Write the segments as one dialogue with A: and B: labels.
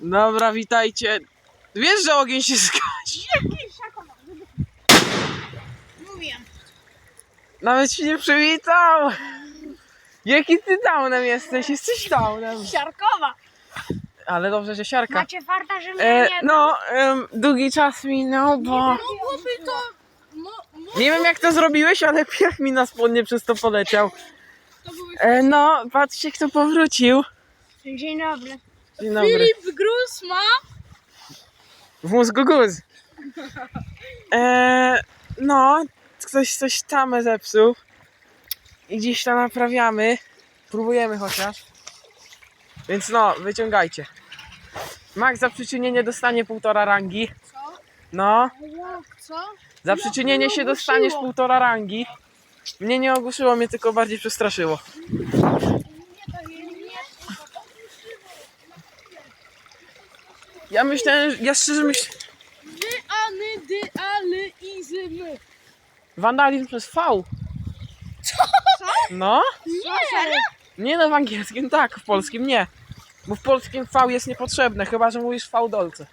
A: Dobra, witajcie. Wiesz, że ogień się zgasi?
B: Mówiłem.
A: Nawet się nie przywitał. Jaki ty downem jesteś? Jesteś downem.
B: Siarkowa.
A: Ale dobrze, że siarka.
B: Macie farta, że mnie nie
A: Długi czas minął, bo...
B: mogłoby to...
A: Nie wiem jak to zrobiłeś, ale piach mi na spodnie przez to poleciał. No, patrzcie kto powrócił.
B: Dzień dobry.
A: Dzień dobry.
B: Filip Grus ma...
A: W mózgu guz. No, ktoś coś tam zepsuł. I gdzieś to naprawiamy. Próbujemy chociaż. Więc no, wyciągajcie. Max za przyczynienie dostanie 1,5 rangi.
B: Co?
A: No,
B: Jak, co?
A: za przyczynienie się dostaniesz 1,5 rangi. Mnie nie ogłuszyło, mnie tylko bardziej przestraszyło. Ja szczerze myślę...
B: Izymy.
A: Wandalizm przez V.
B: Co?
A: No?
B: Nie!
A: Nie no, w angielskim tak, w polskim nie. Bo w polskim V jest niepotrzebne, chyba że mówisz V dolce.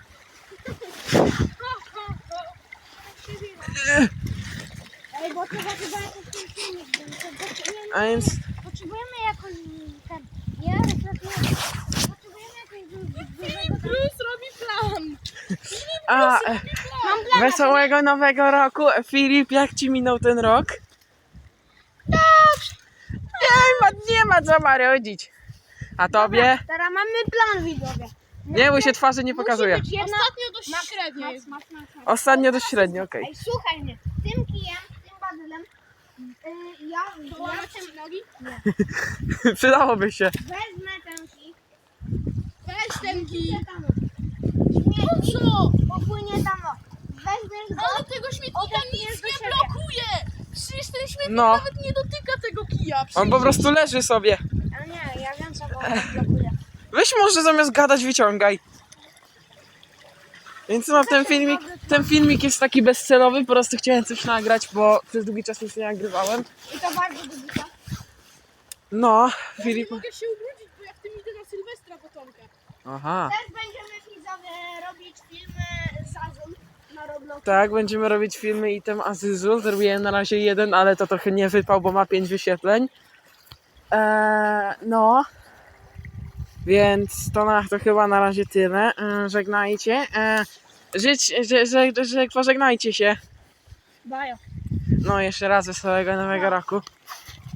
B: Ej, bo trzeba chyba jakoś ten filmik,
A: A więc...
B: potrzebujemy jakoś ten... Nie, potrzebujemy jakoś... Filip Grus robi plan.
A: A,
B: Mam plan.
A: wesołego nowego roku. Filip, jak ci minął ten rok?
B: Dobrze.
A: Nie ma co marudzić. A tobie?
B: Teraz mamy plan, widzowie.
A: Nie, bo się twarzy nie pokazuje.
B: Ostatnio dość średnio jest.
A: Ostatnio dość średnio, okej.
B: Ej, słuchaj mnie. Tym kijem, tym bazylem, ja tym nogi
A: Przydałoby się.
B: wezmę ten kij.
C: Weź ten kij.
B: Śmietnik,
C: Co?
B: popłynie tam. Weźmiesz go.
C: Ale tego śmietnika
B: Odepniesz
C: nic
B: do
C: nie
B: siebie.
C: blokuje! Przecież ten śmietnik
A: No.
C: nawet nie dotyka tego kija.
A: On po prostu leży sobie.
B: Ale nie, ja wiem co go blokuje.
A: Weź może zamiast gadać wyciągaj. Więc no, ten filmik jest taki bezcelowy, po prostu chciałem coś nagrać, bo przez długi czas nic nie nagrywałem.
B: I to bardzo długo.
A: No,
C: Ja
A: Filip...
C: nie mogę się ubrudzić, bo jak tym idę na Sylwestra potomka.
A: Aha.
B: Też będziemy widzowie robić filmy z Azul na Roblox.
A: Tak, będziemy robić filmy item Azyzu. Zrobiłem na razie jeden, ale to trochę nie wypał, bo ma 5 wyświetleń. No. Więc to chyba na razie tyle. Żegnajcie. Pożegnajcie się.
B: Bajo.
A: No, jeszcze raz wesołego nowego roku.